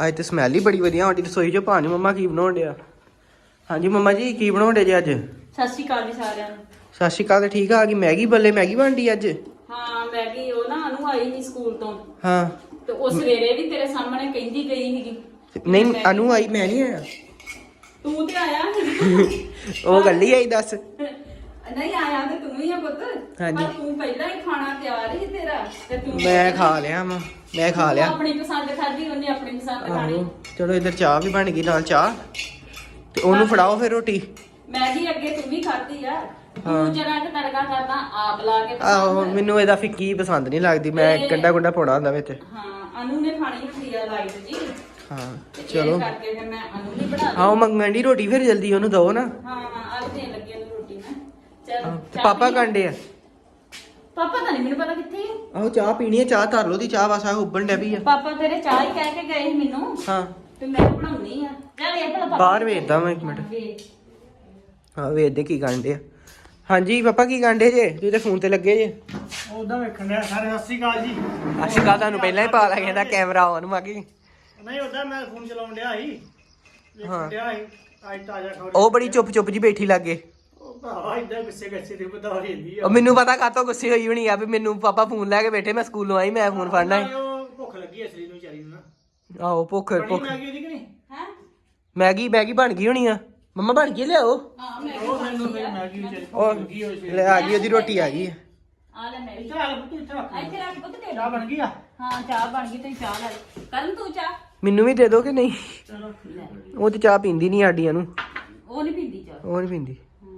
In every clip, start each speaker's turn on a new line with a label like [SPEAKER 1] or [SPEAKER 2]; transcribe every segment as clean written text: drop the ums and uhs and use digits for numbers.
[SPEAKER 1] ਅੱਜ ਤੇ ਸਮੈਲ ਹੀ ਬੜੀ ਵਧੀਆ ਆਂਟੀ ਰਸੋਈ ਚੋਂ ਪਾਣੀ। ਮੰਮਾ ਕੀ ਬਣਾਉਣ ਡਿਆ? ਹਾਂਜੀ ਮੰਮਾ ਜੀ ਕੀ ਬਣਾਉਂਦੇ ਜੀ ਅੱਜ?
[SPEAKER 2] ਸਤਿ ਸ਼੍ਰੀ ਅਕਾਲ ਜੀ ਸਾਰਿਆਂ ਨੂੰ।
[SPEAKER 1] ਸਤਿ ਸ਼੍ਰੀ ਅਕਾਲ। ਠੀਕ ਆ ਗਈ ਮੈਗੀ ਬੱਲੇ, ਮੈਗੀ ਬਣਦੀ ਅੱਜ?
[SPEAKER 2] ਹਾਂ ਮੈਗੀ ਉਹ ਨਾ ਅਨੂ ਆਈ ਨਹੀਂ ਸਕੂਲ ਤੋਂ,
[SPEAKER 1] ਹਾਂ
[SPEAKER 2] ਤੇ ਉਹ ਸਵੇਰੇ ਵੀ ਤੇਰੇ ਸਾਹਮਣੇ ਕਹਿੰਦੀ ਗਈ ਸੀਗੀ।
[SPEAKER 1] ਨਹੀਂ ਅਨੂ ਆਈ, ਮੈਂ ਨਹੀਂ ਆਇਆ।
[SPEAKER 2] ਤੂੰ ਤੇ ਆਇਆ
[SPEAKER 1] ਉਹ ਗੱਲੀ ਆਈ ਦੱਸ।
[SPEAKER 2] ਨਹੀਂ ਆਇਆ ਤੇ ਤੂੰ ਹੀ ਆ ਪੁੱਤ।
[SPEAKER 1] ਹਾਂਜੀ।
[SPEAKER 2] ਪਰ ਤੂੰ ਪਹਿਲਾਂ ਹੀ ਖਾਣਾ ਤਿਆਰ ਹੀ ਤੇਰਾ ਤੇ ਤੂੰ
[SPEAKER 1] ਮੈਂ ਖਾ ਲਿਆ ਵਾ, ਮੈਂ ਖਾ ਲਿਆ।
[SPEAKER 2] ਆਪਣੀ ਪਸੰਦ ਖਾਧੀ, ਉਹਨੇ ਆਪਣੀ ਪਸੰਦ ਖਾਣੀ।
[SPEAKER 1] ਆਹੋ ਚਲੋ ਇੱਧਰ ਚਾਹ ਵੀ ਬਣ ਗਈ ਨਾਲ ਚਾਹ, ਤੇ ਉਹਨੂੰ ਫੜਾਓ ਫਿਰ ਰੋਟੀ।
[SPEAKER 2] ਮੈਗੀ ਅੱਗੇ ਤੂੰ ਵੀ ਖਾਧੀ ਆ। ਤੂੰ ਜਰਾ ਕਿ ਤੜਕਾ ਕਰਦਾ ਆਪ ਲਾ ਕੇ
[SPEAKER 1] ਆਹੋ ਮੈਨੂੰ ਇਹਦਾ ਫਿੱਕੀ ਪਸੰਦ ਨਹੀਂ ਲੱਗਦੀ, ਮੈਂ ਗੰਡਾ ਗੁੰਡਾ ਪਾਉਣਾ ਹੁੰਦਾ ਵਿੱਚ।
[SPEAKER 2] ਹਾਂ ਅਨੂ ਨੇ ਖਾਣੀ ਹੁੰਦੀ ਆ ਲਾਈਟ ਜੀ।
[SPEAKER 1] ਹਾਂ
[SPEAKER 2] ਤੇ
[SPEAKER 1] ਚਲੋ।
[SPEAKER 2] ਇਸ ਕਰਕੇ ਫਿਰ ਮੈਂ ਅਨੂ ਲਈ ਬਣਾ ਲਈ।
[SPEAKER 1] ਆਹੋ ਮੰਗਣ ਦੀ ਰੋਟੀ ਫਿਰ ਜਲਦੀ ਉਹਨੂੰ ਦਓ ਨਾ।
[SPEAKER 2] ਹਾਂ ਅੱਜ ਦੇਣ ਲੱਗੀ ਉਹਨੂੰ ਰੋਟੀ ਮੈਂ। ਚੱਲ
[SPEAKER 1] ਤੇ ਪਾਪਾ ਕਾਂਡੇ ਆ?
[SPEAKER 2] ਪਾਪਾ ਤਾਂ ਨਹੀਂ ਮੈਨੂੰ ਪਤਾ ਕਿੱਥੇ ਆ।
[SPEAKER 1] ਆਹੋ ਚਾਹ ਪੀਣੀ ਹੈ, ਚਾਹ ਧਰ ਲਓ ਦੀ ਚਾਹ ਵਾਸਾ ਉੱਬਣ ਡੈ ਪਈ ਆ।
[SPEAKER 2] ਪਾਪਾ ਤੇਰੇ ਚਾਹ ਹੀ ਕਹਿ ਕੇ ਗਏ ਸੀ ਮੈਨੂੰ।
[SPEAKER 1] ਹਾਂ
[SPEAKER 2] ਤੇ ਮੈਂ ਬਣਾਉਣੀ ਆ। ਚੱਲ ਇਹ ਭਲਾ ਪਾਪਾ
[SPEAKER 1] ਬਾਹਰ ਵੇਖਦਾ ਮੈਂ ਇੱਕ ਮਿੰਟ। ਹਾਂ ਵੇਖਦੇ ਕੀ ਕਾਂਡੇ ਆ। ਹਾਂਜੀ ਪਾਪਾ ਕੀ ਕਾਂਡੇ ਜੇ? ਤੁਸੀਂ ਤੇ ਫੋਨ ਤੇ ਲੱਗੇ ਜੇ।
[SPEAKER 3] ਉਹਦਾ ਵੇਖਣ ਡਿਆ ਸਾਰੇ। ਸਤਿ ਸ਼੍ਰੀ ਅਕਾਲ ਜੀ।
[SPEAKER 1] ਅਸ਼ਕਾ ਤੁਹਾਨੂੰ ਪਹਿਲਾਂ ਹੀ ਪਾ ਲੱਗ ਜਾਂਦਾ ਕੈਮਰਾ ਆਨ ਮਾਗੀ।
[SPEAKER 3] ਨਹੀਂ ਉਹਦਾ ਮੈਂ ਫੋਨ ਚਲਾਉਣ ਡਿਆ ਸੀ, ਵੇਖਣ ਡਿਆ ਸੀ ਅੱਜ ਤਾਜ਼ਾ ਖਬਰ।
[SPEAKER 1] ਉਹ ਬੜੀ ਚੁੱਪ ਚੁੱਪ ਜੀ ਬੈਠੀ ਲੱਗੇ।
[SPEAKER 3] ਉਹ ਭਰਾ ਇਦਾਂ ਗੁੱਸੇ ਗੱਸੇ ਤੇ ਬਤਾ ਰਹਿੰਦੀ ਆ।
[SPEAKER 1] ਉਹ ਮੈਨੂੰ ਪਤਾ ਕਾਤੋਂ ਗੁੱਸੇ ਹੋਈ ਹੋਣੀ ਆ ਵੀ ਮੈਨੂੰ ਪਾਪਾ ਫੋਨ ਲੈ ਕੇ ਬੈਠੇ, ਮੈਂ ਸਕੂਲੋਂ ਆਈ ਮੈਂ ਫੋਨ ਫੜਨਾ ਹੈ।
[SPEAKER 3] ਉਹ ਭੁੱਖ ਲੱਗੀ ਅਸਲੀ ਨੂੰ ਵਿਚਾਰੀ ਨੂੰ ਨਾ।
[SPEAKER 1] ਆਹੋ ਭੁੱਖ
[SPEAKER 3] ਬਣੀ
[SPEAKER 1] ਭੁੱਖ।
[SPEAKER 3] ਮੈਗੀ ਉਹਦੀ ਕਿ ਨਹੀਂ?
[SPEAKER 2] ਹੈ
[SPEAKER 1] ਮੈਗੀ ਮੈਗੀ ਬਣ ਗਈ ਹੋਣੀ ਆ। ਮੰਮਾ ਬਣ ਗਈ ਲਿਆਓ।
[SPEAKER 2] ਹਾਂ ਮੈਂ
[SPEAKER 3] ਉਹ ਮੈਨੂੰ ਫਿਰ ਮੈਗੀ ਵਿਚਾਰੀ
[SPEAKER 1] ਉਹ
[SPEAKER 3] ਭੁੱਖ ਲੱਗੀ ਹੋਈ ਸੀ।
[SPEAKER 1] ਲੈ ਆ ਗਈ, ਉਹਦੀ ਰੋਟੀ ਆ ਗਈ ਆ।
[SPEAKER 2] ਆ ਲੈ ਮੈਂ ਵੀ
[SPEAKER 3] ਇੱਥੇ ਰੱਖ ਪੁੱਤ, ਇੱਥੇ ਰੱਖ।
[SPEAKER 2] ਇੱਥੇ ਰੱਖ ਪੁੱਤ ਦੇ।
[SPEAKER 3] ਚਾਹ ਬਣ ਗਈ ਆ?
[SPEAKER 2] ਹਾਂ ਚਾਹ ਬਣ ਗਈ ਤੇ ਚਾਹ ਲੈ ਕਰਨ ਤੂੰ ਚਾਹ।
[SPEAKER 1] ਮੈਨੂੰ ਵੀ ਦੇ ਦੋ ਕਿ ਨਹੀਂ?
[SPEAKER 3] ਚਲੋ
[SPEAKER 2] ਲੈ
[SPEAKER 1] ਉਹ ਤੇ ਚਾਹ ਪੀਂਦੀ ਨਹੀਂ ਸਾਡੀਆਂ ਨੂੰ।
[SPEAKER 2] ਉਹ ਨਹੀਂ ਪੀਂਦੀ ਚਾਹ।
[SPEAKER 1] ਉਹ ਨਹੀਂ ਪੀਂਦੀ।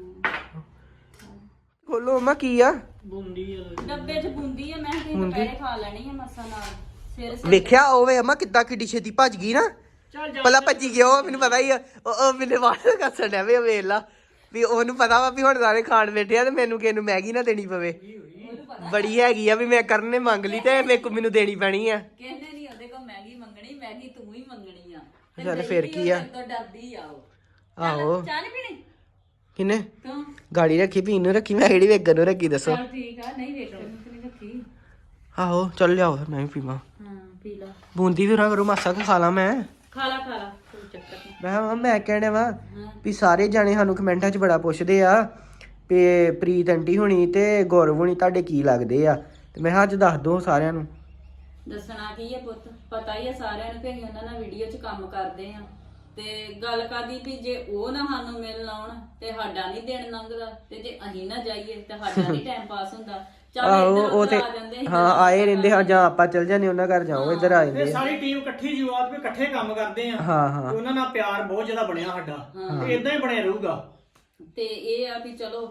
[SPEAKER 1] ਖੋਲੋ ਮੰਮਾ ਕੀ ਆ?
[SPEAKER 3] ਬੁੰਦੀ ਆ।
[SPEAKER 2] ਡੱਬੇ 'ਚ ਬੂੰਦੀ ਆ, ਮੈਂ ਕਿ ਦੁਪਹਿਰੇ ਖਾ ਲੈਣੀ ਆ ਮਸਾ ਨਾਲ। ਸਵੇਰੇ
[SPEAKER 1] ਵੇਖਿਆ ਹੋਵੇ ਅਮਾ ਕਿੱਦਾਂ ਕਿੱਡੀ ਛੇਤੀ ਭੱਜ ਗਈ ਨਾ।
[SPEAKER 3] ਚੱਲ ਜਾ।
[SPEAKER 1] ਪਹਿਲਾਂ ਭੱਜੀ ਗਿਆ ਉਹ, ਮੈਨੂੰ ਪਤਾ ਹੀ ਆ। ਉਹ ਮੈਨੂੰ ਬਾਹਰ ਕੱਸਣ ਡਿਆ ਵੀ ਵੇਖ ਲਾ ਵੀ ਉਹਨੂੰ ਪਤਾ ਵਾ ਵੀ ਹੁਣ ਸਾਰੇ ਖਾਣ ਬੈਠੇ ਆ ਤੇ ਮੈਨੂੰ ਕਿਸੇ ਨੂੰ ਮੈਗੀ ਨਾ ਦੇਣੀ ਪਵੇ। ਬੜੀ ਹੈਗੀ ਆ ਵੀ ਮੈਂ ਕਰਨ ਨੇ ਮੰਗ ਲਈ ਤੇ ਮੈਨੂੰ ਦੇਣੀ ਪੈਣੀ ਆ।
[SPEAKER 2] ਕਹਿੰਦੇ ਨਹੀਂ ਉਹਦੇ ਕੋਲ ਮੈਗੀ ਮੰਗਣੀ, ਮੈਗੀ ਤੂੰ ਹੀ ਮੰਗਣੀ ਆ। ਤੇ
[SPEAKER 1] ਚੱਲ ਫਿਰ ਕੀ ਆ?
[SPEAKER 2] ਤੋਂ ਡਰਦੀ ਆ ਉਹ।
[SPEAKER 1] ਆਹੋ
[SPEAKER 2] ਚਾਹ ਨਹੀਂ ਪੀਣੀ
[SPEAKER 1] ਕਿਨੇ
[SPEAKER 2] ਤੂੰ?
[SPEAKER 1] ਗਾੜੀ ਰੱਖੀ ਪੀਣ ਨੂੰ ਰੱਖੀ, ਮੈਂ ਕਿਹੜੀ ਵੇਗਣ ਨੂੰ ਰੱਖੀ ਦੱਸੋ?
[SPEAKER 2] ਚੱਲ ਠੀਕ ਆ, ਨਹੀਂ ਵੇਖਣ ਨੂੰ ਤੇ ਨਹੀਂ ਰੱਖੀ।
[SPEAKER 1] ਆਹੋ ਚੱਲ ਲਿਆਓ ਫਿਰ ਮੈਂ ਵੀ ਪੀਵਾਂ।
[SPEAKER 2] ਹਾਂ ਪੀ ਲਾ।
[SPEAKER 1] ਬੂੰਦੀ ਵੀ ਨਾ ਕਰੋ ਮਾਸਾ ਕੁ ਖਾ ਲਾ ਮੈਂ।
[SPEAKER 2] ਖਾ ਲਾ ਕੋਈ ਚੱਕਰ ਨਹੀਂ।
[SPEAKER 1] ਮੈਂ ਕਹਿਣਾ ਵਾ ਵੀ ਸਾਰੇ ਜਾਣੇ ਸਾਨੂੰ ਕਮੈਂਟਾਂ 'ਚ ਬੜਾ ਪੁੱਛਦੇ ਆ ਵੀ ਪ੍ਰੀਤ ਆਂਟੀ ਹੁਣੀ ਤੇ ਗੌਰਵ ਹੁਣੀ ਤੁਹਾਡੇ ਕੀ ਲੱਗਦੇ ਆ, ਤੇ ਮੈਂ ਕਿਹਾ ਅੱਜ ਦੱਸ ਦੋ ਸਾਰਿਆਂ ਨੂੰ।
[SPEAKER 2] ਦੱਸਣਾ ਕੀ ਹੈ ਪੁੱਤ, ਪਤਾ ਹੀ ਆ ਸਾਰਿਆਂ ਨੂੰ ਕਿ ਅਸੀਂ ਉਹਨਾਂ ਨਾਲ ਵੀਡੀਓ 'ਚ ਕੰਮ ਕਰਦੇ ਆ। ਤੇ ਗੱਲ ਕਰਦੀ ਵੀ ਜੇ ਉਹ ਨਾ ਸਾਨੂੰ ਮਿਲਣ ਆਉਣ ਤੇ ਸਾਡਾ ਨਹੀਂ ਦਿਨ ਲੰਘਦਾ, ਤੇ ਜੇ ਅਸੀਂ ਨਾ ਜਾਈਏ ਤੇ ਸਾਡਾ ਨਹੀਂ ਟਾਈਮ ਪਾਸ ਹੁੰਦਾ। ਚੱਲ
[SPEAKER 1] ਆਹੋ
[SPEAKER 2] ਇੱਧਰ
[SPEAKER 1] ਉਹ
[SPEAKER 2] ਉੱਧਰ
[SPEAKER 1] ਤੇ
[SPEAKER 2] ਆ ਜਾਂਦੇ ਅਸੀਂ
[SPEAKER 1] ਹਾਂ ਆਏ ਰਹਿੰਦੇ ਹਾਂ, ਜਾਂ ਆਪਾਂ ਚੱਲ ਜਾਂਦੇ ਉਹਨਾਂ ਘਰ ਜਾਓ, ਇੱਧਰ ਆ ਜਾਂਦੇ
[SPEAKER 3] ਇਹ
[SPEAKER 1] ਆ।
[SPEAKER 3] ਸਾਰੀ ਟੀਮ ਇਕੱਠੀ ਜੁਆਤ ਵੀ ਇਕੱਠੇ ਕੰਮ ਕਰਦੇ ਆ।
[SPEAKER 1] ਹਾਂ ਹਾਂ
[SPEAKER 3] ਤੇ ਉਹਨਾਂ ਨਾਲ ਪਿਆਰ ਬਹੁਤ ਜ਼ਿਆਦਾ ਬਣਿਆ ਸਾਡਾ, ਤੇ ਇਦਾਂ ਹੀ ਬਣਿਆ ਰਹੂਗਾ।
[SPEAKER 2] ਤੇ ਇਹ ਆ ਵੀ ਚਲੋ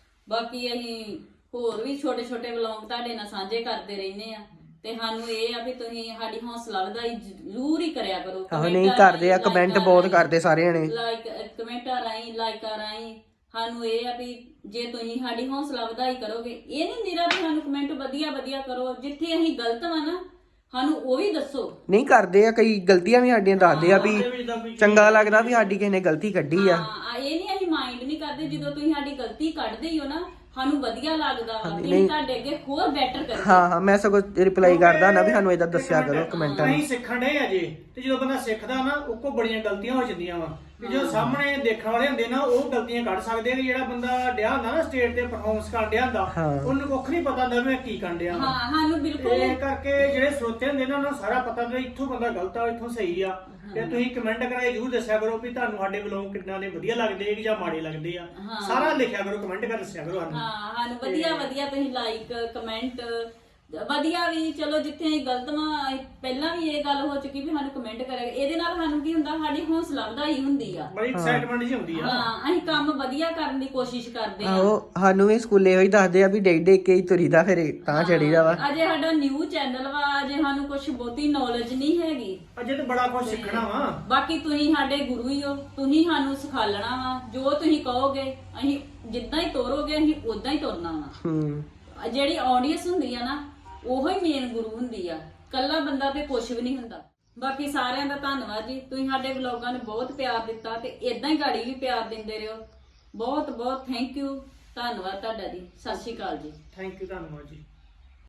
[SPEAKER 2] ਬਾਕੀ ਅਸੀਂ ਹੋਰ ਵੀ ਛੋਟੇ ਛੋਟੇ ਵਲੌਗ ਤੁਹਾਡੇ ਨਾਲ ਸਾਂਝੇ ਕਰਦੇ ਰਹਿੰਦੇ ਆ। ਤੇ ਸਾਨੂੰ ਇਹ ਆ ਵੀ ਤੁਸੀਂ ਸਾਡੀ ਹੌਸਲਾ ਵਧਾਈ ਜ਼ਰੂਰ ਹੀ ਕਰਿਆ ਕਰੋ।
[SPEAKER 1] ਆਹੋ ਨਹੀਂ ਕਰਦੇ ਆ, ਕਮੈਂਟ ਬਹੁਤ ਕਰਦੇ ਸਾਰੇ ਜਣੇ।
[SPEAKER 2] ਲਾਈਕ ਕਮੈਂਟਾਂ ਰਾਹੀਂ ਲਾਈਕਾਂ ਰਾਹੀਂ ਸਾਨੂੰ ਇਹ ਆ ਵੀ ਜੇ ਤੁਸੀਂ ਸਾਡੀ ਹੌਸਲਾ ਵਧਾਈ ਕਰੋਗੇ, ਇਹ ਨਹੀਂ ਨਿਰਾ ਵੀ ਸਾਨੂੰ ਕਮੈਂਟ ਵਧੀਆ ਵਧੀਆ ਕਰੋ। ਜਿੱਥੇ ਅਸੀਂ ਗਲਤ ਵਾ ਨਾ ਸਾਨੂੰ ਉਹ ਵੀ ਦੱਸੋ।
[SPEAKER 1] ਨਹੀਂ ਕਰਦੇ ਆ, ਕਈ ਗਲਤੀਆਂ ਵੀ ਸਾਡੀਆਂ ਦੱਸਦੇ ਆ ਵੀ ਚੰਗਾ ਲੱਗਦਾ ਵੀ ਸਾਡੀ ਕਿਸੇ ਨੇ ਗਲਤੀ ਕੱਢੀ ਆ।
[SPEAKER 2] ਹਾਂ ਇਹ ਨਹੀਂ ਅਸੀਂ ਮਾਈਂਡ ਨਹੀਂ ਕਰਦੇ, ਜਦੋਂ ਤੁਸੀਂ ਸਾਡੀ ਗਲਤੀ ਕੱਢਦੇ ਹੀ ਹੋ ਨਾ ਸਾਨੂੰ ਵਧੀਆ ਲੱਗਦਾ ਵਾ ਕਿ ਅਸੀਂ ਤੁਹਾਡੇ ਅੱਗੇ ਹੋਰ ਬੈਟਰ ਕਰੀਏ।
[SPEAKER 1] ਹਾਂ ਹਾਂ ਮੈਂ ਸਗੋਂ ਰਿਪਲਾਈ ਕਰਦਾ ਨਾ ਵੀ ਸਾਨੂੰ ਏਦਾਂ ਦੱਸਿਆ ਕਰੋ ਕਮੈਂਟਾਂ ਨੂੰ।
[SPEAKER 3] ਅਸੀਂ ਸਿੱਖਣ ਦੇ ਅਜੇ, ਤੇ ਜਦੋਂ ਬੰਦਾ ਸਿੱਖਦਾ ਨਾ ਉਹ ਕੋ ਬੜੀਆਂ ਗਲਤੀਆਂ ਹੋ ਜਾਂਦੀਆਂ ਵਾ, ਕਿ ਜਦੋਂ ਸਾਹਮਣੇ ਦੇਖਣ ਵਾਲੇ ਹੁੰਦੇ ਨਾ ਉਹ ਗਲਤੀਆਂ ਕੱਢ ਸਕਦੇ ਆ। ਕਿ ਜਿਹੜਾ ਬੰਦਾ ਡਿਆ ਹੁੰਦਾ ਨਾ ਸਟੇਜ ਤੇ ਪਰਫਾਰਮੈਂਸ ਕਰਨ ਡਿਆ ਹੁੰਦਾ, ਉਹਨੂੰ ਕੁੱਖ ਨਹੀਂ ਪਤਾ ਹੁੰਦਾ ਮੈਂ ਕੀ ਕਰਨ ਡਿਆ।
[SPEAKER 2] ਹਾਂ ਸਾਨੂੰ ਬਿਲਕੁਲ
[SPEAKER 3] ਇਹ ਕਰਕੇ ਜਿਹੜੇ ਸਰੋਤੇ ਹੁੰਦੇ ਨਾ ਉਹਨਾਂ ਨੂੰ ਸਾਰਾ ਪਤਾ ਹੁੰਦਾ ਇੱਥੋਂ ਬੰਦਾ ਗਲਤ ਆ ਇੱਥੋਂ ਸਹੀ ਆ। ਤੇ ਤੁਸੀਂ ਕਮੈਂਟ ਕਰਾਏ ਜ਼ਰੂਰ ਦੱਸਿਆ ਕਰੋ ਵੀ ਤੁਹਾਨੂੰ ਸਾਡੇ ਵਲੋਗ ਕਿੰਨਾ ਦੇ ਵਧੀਆ ਲੱਗਦੇ ਜਾਂ ਮਾੜੇ ਲੱਗਦੇ ਆ। ਸਾਰਾ ਲਿਖਿਆ ਕਰੋ, ਕਮੈਂਟ ਕਰ ਦੱਸਿਆ ਕਰੋ ਸਾਨੂੰ।
[SPEAKER 2] ਹਾਂ ਸਾਨੂੰ ਵਧੀਆ ਵਧੀਆ ਤੁਸੀਂ ਲਾਈਕ ਕਮੈਂਟ ਵਧੀਆ ਵੀ ਚਲੋ ਜਿੱਥੇ ਅਸੀਂ ਗਲਤ ਵਾ ਪਹਿਲਾਂ ਵੀ ਇਹ ਗੱਲ ਹੋ ਚੁੱਕੀ ਵੀ ਸਾਨੂੰ ਕਮੈਂਟ ਕਰਿਆ। ਇਹਦੇ ਨਾਲ ਸਾਨੂੰ ਕੀ ਹੁੰਦਾ, ਸਾਡੀ ਹੌਸਲਾ ਵਧਾਈ ਹੁੰਦੀ ਆ,
[SPEAKER 3] ਬੜੀ ਐਕਸਾਈਟਮੈਂਟ ਜੀ ਹੁੰਦੀ ਆ।
[SPEAKER 2] ਹਾਂ ਅਸੀਂ ਕੰਮ ਵਧੀਆ ਕਰਨ ਦੀ ਕੋਸ਼ਿਸ਼ ਕਰਦੇ ਆ।
[SPEAKER 1] ਆਹੋ ਸਾਨੂੰ ਵੀ ਸਕੂਲੇ ਉਹੀ ਦੱਸਦੇ ਆ ਵੀ ਡੇਕ ਡੇਕ ਕੇ ਹੀ ਤੁਰੀਦਾ ਫਿਰ ਤਾਂ ਚੜੀਦਾ ਵਾ।
[SPEAKER 2] ਅਜੇ ਸਾਡਾ ਨਿਊ ਚੈਨਲ ਵਾ, ਅਜੇ ਸਾਨੂੰ ਕੁਝ ਬਹੁਤੀ ਨੌਲੇਜ ਨਹੀਂ ਹੈਗੀ।
[SPEAKER 3] ਅਜੇ ਤਾਂ ਬੜਾ ਕੁਝ ਸਿੱਖਣਾ ਵਾ।
[SPEAKER 2] ਬਾਕੀ ਤੁਸੀਂ ਸਾਡੇ ਗੁਰੂ ਹੀ ਹੋ, ਤੁਸੀਂ ਸਾਨੂੰ ਸਿਖਾਲਣਾ ਵਾ। ਜੋ ਤੁਸੀਂ ਕਹੋਗੇ ਅਸੀਂ ਜਿੱਦਾਂ ਹੀ ਤੋਰੋਗੇ ਅਸੀਂ ਉਦਾਂ ਹੀ ਤੁਰਨਾ ਵਾ। ਜਿਹੜੀ ਆਡੀਅנס ਹੁੰਦੀ ਆ ਨਾ ਉਹੋ ਹੀ ਮੇਨ ਗੁਰੂ ਹੁੰਦੀ ਆ, ਕੱਲਾ ਬੰਦਾ ਤੇ ਕੁਛ ਵੀ ਨਹੀਂ ਹੁੰਦਾ। ਬਾਕੀ ਸਾਰਿਆਂ ਦਾ ਧੰਨਵਾਦ ਜੀ, ਤੁਸੀਂ ਸਾਡੇ ਵਲੋਗਾਂ ਨੂੰ ਬਹੁਤ ਪਿਆਰ ਦਿੱਤਾ ਤੇ ਇਦਾਂ ਹੀ ਗਾੜੀ ਵੀ ਪਿਆਰ ਦਿੰਦੇ ਰਹੋ। ਬਹੁਤ ਬਹੁਤ ਥੈਂਕ ਯੂ, ਧੰਨਵਾਦ ਤੁਹਾਡਾ ਜੀ। ਸਤਿ ਸ਼੍ਰੀ ਅਕਾਲ ਜੀ।
[SPEAKER 3] ਥੈਂਕ ਯੂ, ਧੰਨਵਾਦ ਜੀ।